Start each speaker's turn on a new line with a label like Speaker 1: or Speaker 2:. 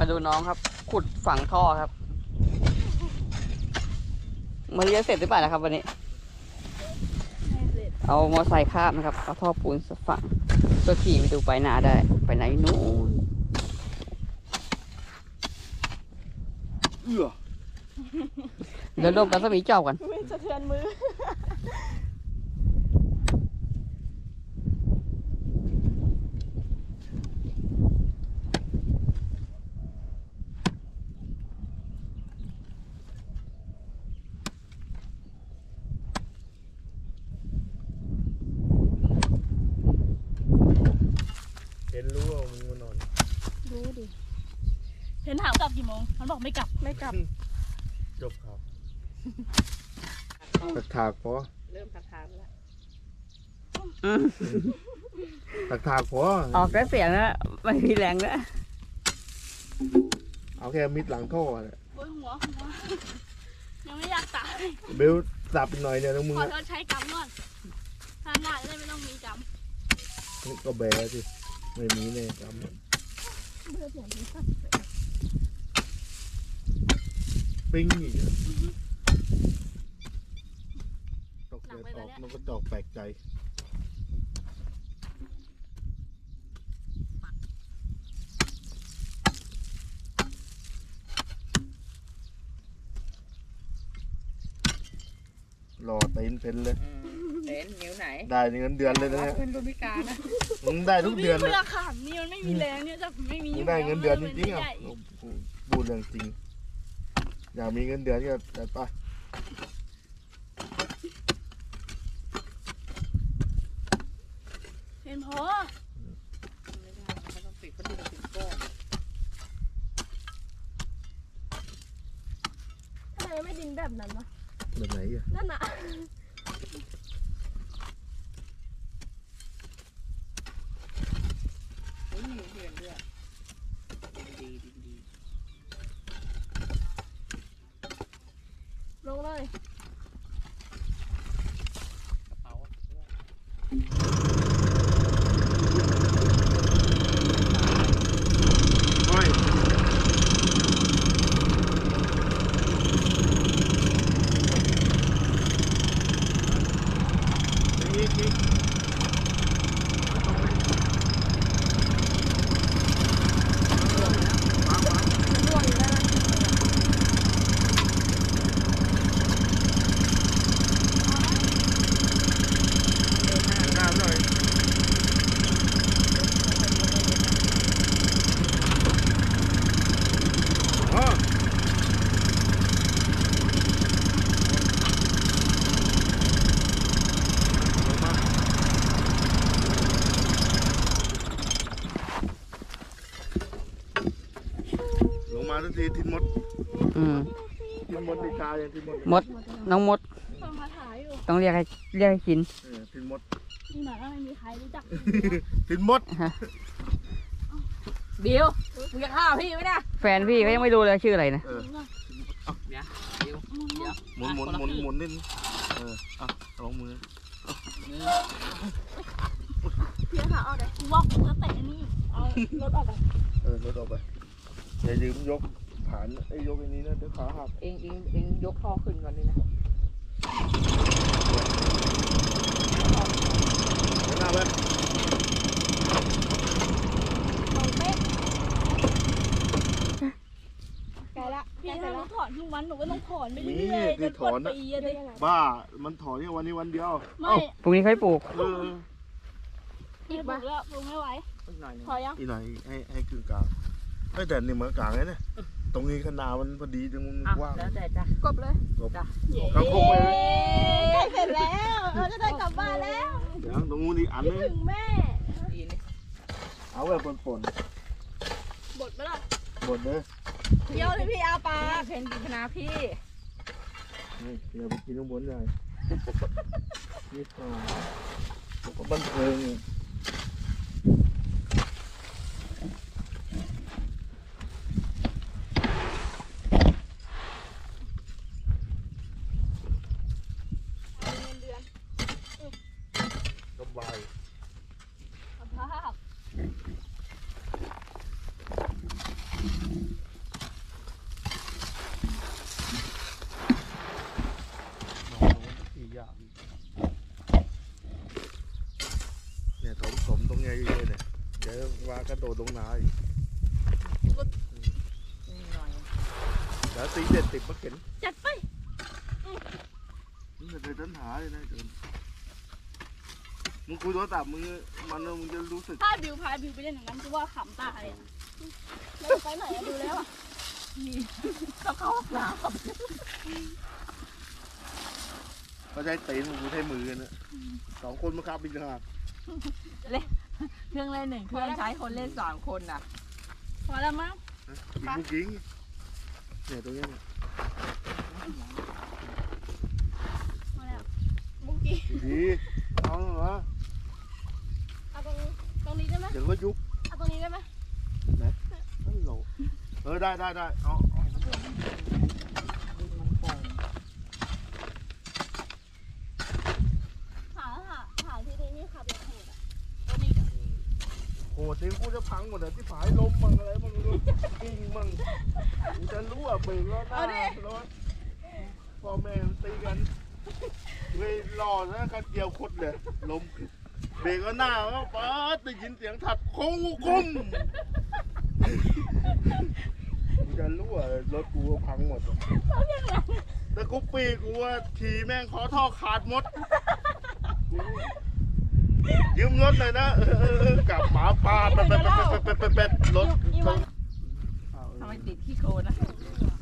Speaker 1: มาดูน้องครับขุดฝังท่อครับมันจะเสร็จหรือเปล่านะครับวันนี้เอามอไซค์ข้ามนะครับเอาท่อปูนฝังเพื่อขี่ไปดูไปนาได้ไปไหนนู้นเดี๋ยวรวมกันสมีเจ้ากัน
Speaker 2: ไม่สะเทือนมือ
Speaker 3: เห็นรู้ว่ามึงมานอน
Speaker 2: รู้ดิเห็นถามกลับกี่โมงมันบอกไม่กลับ
Speaker 3: จบครับตักถากพอ
Speaker 2: เริ่มถากแล้ว
Speaker 3: ตักถากพอ
Speaker 1: ออกแต่เสียงนะไม่มีแรงนะ
Speaker 3: เอาแค่มิดหลังท่อแหละ
Speaker 2: บนหัวยังไม่อยากตาย
Speaker 3: เบลสับหน่อยเนี่ยต้องมึง
Speaker 2: ขอโทษใช้กรรมก่อนทานหน้าจะได้ไม่ต้องมีกรรม
Speaker 3: นี่ก็แบสิไม่มีเนี่ยกรรมปิ้งอีกตกเดือดออกมันก็ดอกแปลกใจรอเต็นเป็นเลย
Speaker 1: เต็นนิ้วไหน
Speaker 3: ได้เงินเดือนเลยนะเนี่ย
Speaker 1: เป็นรุ่นพิการนะ
Speaker 3: มึงได้ทุกเดือน
Speaker 2: เลยราคานี่มันไม่มีแรงเนี่ยจะไม่มี
Speaker 3: มึงได้เงินเดือนจริงๆอ่ะพูดเรื่องจริงอยากมีเงินเดือนก็จัดไป
Speaker 2: เห็นพอ
Speaker 1: ไม่ได้เขาต้องปิดพัดลมปิดก้อน
Speaker 2: ทำไมไม่ดินแบบนั้นวะ
Speaker 3: แบบไหนอ่ะ
Speaker 2: นั่นน่ะลงเลย
Speaker 3: มาทันทีทินมดทินมดในกาอย่างทินมด
Speaker 1: มดน้องมด
Speaker 2: ต้องคาถาอยู่
Speaker 1: ต้องเรียกให้กิน
Speaker 3: ทินมด
Speaker 2: นี่หมาไม่มีใครรู้จัก
Speaker 3: ทินมด
Speaker 1: บิวมึงจะฆ่าพี่ไหมเนี่ยแฟนพี่ก็ยังไม่รู้เลยชื่ออะไรนะ
Speaker 3: เดี๋ยวหมุนนิดลองมือ
Speaker 2: พี่ขาเอาเลยว่าผมจะเตะนี่เอารถออกไป
Speaker 3: รถออกไปอย่าลืมยกฐานยกอันนี้นะเดี๋ยวขาหัก
Speaker 1: เองยกท่อขึ้นก่อนนี่นะ
Speaker 3: หน้าไป
Speaker 2: ลงเป๊ะแกละพี่ถ้าหนูถอนทุกวันหนูก็ต้องถอนไปเรื่อยๆจนกดปีเลย
Speaker 3: บ้ามันถอนแค่วันนี้วันเดียว
Speaker 2: ไม่
Speaker 1: พรุ่งนี้ค่อยปลูก
Speaker 2: อีกปลูกแล้วปลูกไม่ไหวพอยัง
Speaker 3: อีกหน่อยให้กึ่งกลางแต่นี่เหมือนกลางเลยเนี่ยตรงนี้ขนาดมันพอดีตรงมันว่าง
Speaker 1: แล้วแต่จ้ะ
Speaker 2: กบเลย
Speaker 1: จ้ะ
Speaker 3: เขาคงไป
Speaker 2: ใกล้เสร็จแล้วเราจะได้กลับบ้านแล้ว
Speaker 3: เดี๋ยวตรงนู้นอีกอันนึง
Speaker 2: ถึงแม่
Speaker 3: เอาแบบปน
Speaker 2: บดไหมล่ะ
Speaker 3: บดเลย
Speaker 2: เยี่ยวเลยพี่อาปา
Speaker 1: เพนกินคณะพี่
Speaker 3: นี่เดี๋ยวไปกินข้างบนเลยนี่ก็บันเทิง
Speaker 2: สภาพ
Speaker 3: ระโดดลงนาอีกแล้วตีเด็ดติดมาเข็น
Speaker 2: จัดไป
Speaker 3: มึงจะเคยต้นหาเลยนะเดินมึงคุยโทรศัพท์มึงมึงจะรู้สึก
Speaker 2: ถ้าบิวพาบิวไปเล่นอย่างนั้นกูว่าขำตายอ่ะไม่ไปไหนอะดูแล้วอ่ะนี่ต้องเข้าห้องน้ำ
Speaker 3: เขาใช้ตีนมึงใช้มือนะสองคนมาขับอีกต่างหาก
Speaker 4: เครื่องเล่น1 เครื่องใช้คนเล่น3 คนน่ะ
Speaker 2: พอแล้วมั้ง
Speaker 3: ยิงลูกยิงเนี่ยตรงนี้เนี่ย
Speaker 2: พอแล้วบุกี้
Speaker 3: ดีเอาเหรอ
Speaker 2: เอาตรงนี้ได้ไหม
Speaker 3: เดี๋ยวก็ยุบ
Speaker 2: เอาตรงนี้ได้ไหม
Speaker 3: นั่นโหลได้เอา
Speaker 2: หาที่นี่ขับอย่างโหดอ่ะตัวนี้
Speaker 3: โหทีกูจะพังหมดเลยที่ฝายล้มมั่งอะไรมั่งกิ้งมั่งกูจะรู้อ่ะเบรกแล้วหน้ารถพ่อแม่ตีกันเลยหล่อนะกันเดียวคดเลยล้มเบรกแล้วหน้าก็ป๊าดได้ยินเสียงถัดโค้งกุ้มกูจะรู้อ่ะรถกูพังหมดแต่กูปีกูว่าขี่แม่งขอท่อขาดหมดยืมรถเลยนะกับหมาป่าเป็ดรถ
Speaker 4: ทำไมติดขี้โคลนนะ